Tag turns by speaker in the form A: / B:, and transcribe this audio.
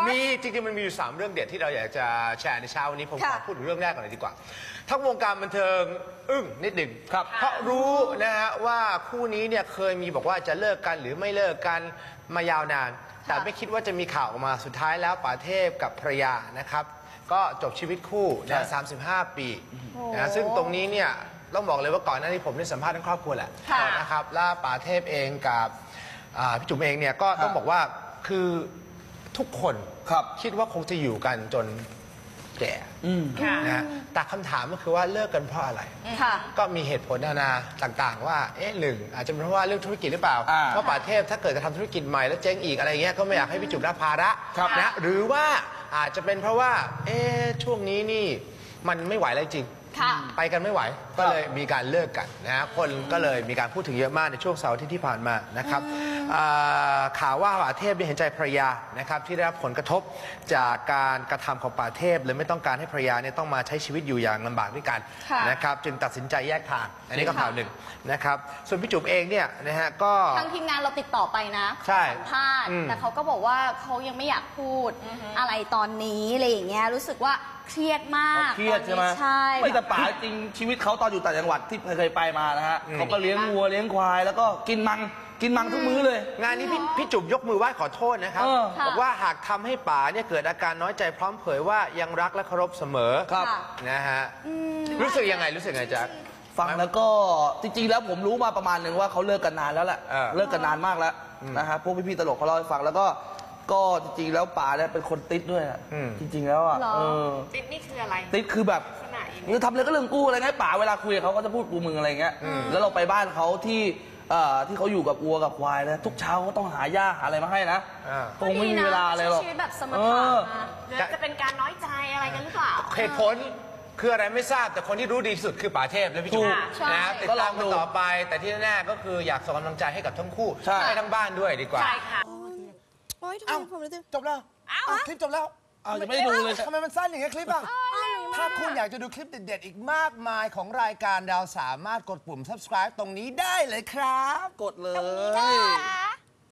A: มีจริงๆมันมีอยู่3เรื่องเด็ดที่เราอยากจะแชร์ในเช้าวันนี้ผมขอพูดถึงเรื่องแรกก่อนเลยดีกว่าทั้งวงการบันเทิงอึ้งนิดหนึ่งเพราะรู้นะฮะว่าคู่นี้เนี่ยเคยมีบอกว่าจะเลิกกันหรือไม่เลิกกันมายาวนานแต่ไม่คิดว่าจะมีข่าวออกมาสุดท้ายแล้วป๋าเทพกับภรรยานะครับก็จบชีวิตคู่นะ35 ปีนะซึ่งตรงนี้เนี่ยต้องบอกเลยว่าก่อนหน้านี้ผมได้สัมภาษณ์ทั้งครอบครัวแหละนะครับแล้วป๋าเทพเองกับพี่จุ๋มเองเนี่ยก็ต้องบอกว่าคือทุกคนคิดว่าคงจะอยู่กันจนแก่นะแต่คำถามก็คือว่าเลิกกันเพราะอะไรก็มีเหตุผลนานาต่างๆว่าหนึ่งอาจจะเป็นเพราะว่าเรื่องธุรกิจหรือเปล่าเพราะป๋าเทพถ้าเกิดจะทำธุรกิจใหม่แล้วเจ๊งอีกอะไรเงี้ยก็ไม่อยากให้พี่จุ๋มรับภาระนะหรือว่าอาจจะเป็นเพราะว่าช่วงนี้นี่มันไม่ไหวแล้วจริงไปกันไม่ไหวก็เลยมีการเลิกกันนะคนก็เลยมีการพูดถึงเยอะมากในช่วงเสาร์อาทิตย์ที่ผ่านมานะครับข่าวว่าป๋าเทพเห็นใจภรรยานะครับที่ได้รับผลกระทบจากการกระทำของป๋าเทพเลยไม่ต้องการให้ภรรยาเนี่ยต้องมาใช้ชีวิตอยู่อย่างลำบากด้วยกันนะครับจึงตัดสินใจแยกทางอันนี้ก็ข่าวหนึ่งนะครับส่วนพี่จุ๋มเองเนี่ยนะฮะก็
B: ทางทีมงานเราติดต่อไปนะสัมภาษณ์แต่เขาก็บอกว่าเขายังไม่อยากพูดอะไรตอนนี้อะไรอย่างเงี้ยรู้สึกว่าเครียดมาก
C: เครียดใช่ไหม
B: ใช่
C: ไม่แต่ป๋าจริงชีวิตเขาตอนอยู่ต่างจังหวัดที่เคยไปมานะฮะเขาก็เลี้ยงวัวเลี้ยงควายแล้วก็กินมังทุกมื้อเลย
A: งานนี้พี่จุ๋มยกมือไหว้ขอโทษนะครับบอกว่าหากทำให้ป๋าเนี่ยเกิดอาการน้อยใจพร้อมเผยว่ายังรักและเคารพเสมอนะฮะรู้สึกยังไงจ๊ะ
C: ฟังแล้วก็จริงๆแล้วผมรู้มาประมาณหนึ่งว่าเขาเลิกกันนานแล้วแหละเลิกกันนานมากแล้วนะฮะพวกพี่ๆตลกเขาเล่าให้ฟังแล้วก็จริงๆแล้วป๋าเนี่ยเป็นคนติดด้วยจริงๆแล้วอ่ะ
D: ติดนี่คืออะไร
C: ติดคือแบบมึงทำอะไรก็เรื่องกูอะไรเงี้ยป๋าเวลาคุยเขาก็จะพูดกูมึงอะไรเงี้ยแล้วเราไปบ้านเขาที่เขาอยู่กับวัวกับควายนะทุกเช้าก็ต้องหาหญ้าหาอะไรมาให้นะคงไม่มีเวลาอะไรหรอก
B: ชีวิตแบบสมถะ
D: หรือจะเป็นการน้อยใจอะไรกันหรือเปล่า
A: เหตุผลคืออะไรไม่ทราบแต่คนที่รู้ดีสุดคือป๋าเทพและพี่จุ๋มนะติดตามกันต่อไปแต่ที่แน่ๆก็คืออยากส่งกำลังใจให้กับทั้งคู่ให้ทั้งบ้านด้วยดีกว่า
D: ใช่ค่ะ
A: จบแล้วคลิปจบแล้ว
C: ยังไม่ได้ดูเลย
A: ทำไมมันสั้นอย่างเงี้ยคลิปอ่ะถ้าคุณอยากจะดูคลิปเด็ดๆอีกมากมายของรายการเราสามารถกดปุ่ม subscribe ตรงนี้ได้เลยครับ
C: กดเลย